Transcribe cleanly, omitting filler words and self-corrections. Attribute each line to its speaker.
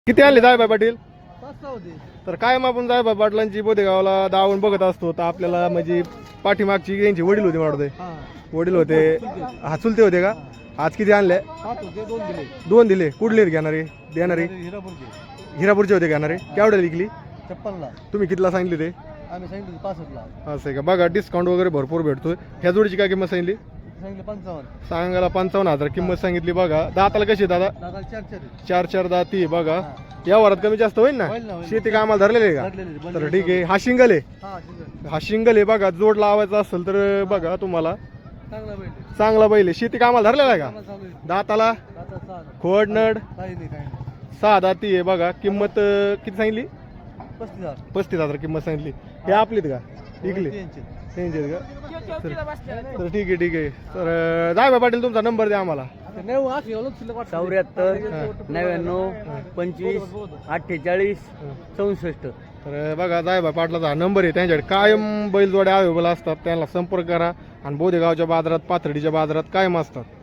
Speaker 1: किती आणले जायबाई पाटील?
Speaker 2: 5 होते.
Speaker 1: तर कायम आपण जायबाई पाटलांची बोदेगावला दावून बघत असतो, तर आपल्याला म्हणजे पाठीमागची यांची वडील होते वाटते.
Speaker 2: हा
Speaker 1: वडील होते, हा चुलते होते का? आज किती आणले?
Speaker 2: 7 होते, 2 दिले.
Speaker 1: 2 दिले. कुठले घेणारे देणारे?
Speaker 2: हिरापूरचे
Speaker 1: हिरापूरचे होते घेणारे. केवढ्या विकली?
Speaker 2: 56 ला.
Speaker 1: तुम्ही कितीला सांगितले ते?
Speaker 2: आम्ही सांगितलं 65 ला.
Speaker 1: असं आहे का? बघा डिस्काउंट वगैरे भरपूर भेटतोय. ह्या जोडीची काय किंमत सांगितली?
Speaker 2: सांगितलं 55.
Speaker 1: सांगायला 55,000 किंमत सांगितली. बघा दाताला कशी आहे दादा?
Speaker 2: दादा 4
Speaker 1: चार चार दाती आहे बघा. या वरात कमी जास्त होईल ना?
Speaker 2: होईल ना, होईल.
Speaker 1: शेती कामाला धरलेले आहे का? तर ठीक आहे. हा शिंगल आहे.
Speaker 2: हा ठीक
Speaker 1: हा शिंगल आहे बघा. जोड लावायचा असेल तर बघा तुम्हाला
Speaker 2: चांगला भेटेल.
Speaker 1: चांगला बैल आहे. शेती कामाला धरलेला आहे का?
Speaker 2: चालू आहे.
Speaker 1: दाताला
Speaker 2: दादा 6.
Speaker 1: खोड नड
Speaker 2: काही नाही.
Speaker 1: 6 दाती आहे बघा. किंमत किती सांगितली?
Speaker 2: 35,000.
Speaker 1: 35,000 किंमत सांगितली. हे आपलीत का? इकली त्यांचे का? तर ठीक आहे. तर जाय पाटील तुमचा नंबर द्या आम्हाला.
Speaker 2: 74 99 25 48 64.
Speaker 1: तर बघा जायबा पाटलाचा हा नंबर आहे. त्यांच्याकडे कायम बैलजोड्या अवेलेबल असतात. त्यांना संपर्क करा. आणि बोदेगावच्या बाजारात पाथर्डीच्या बाजारात कायम असतात.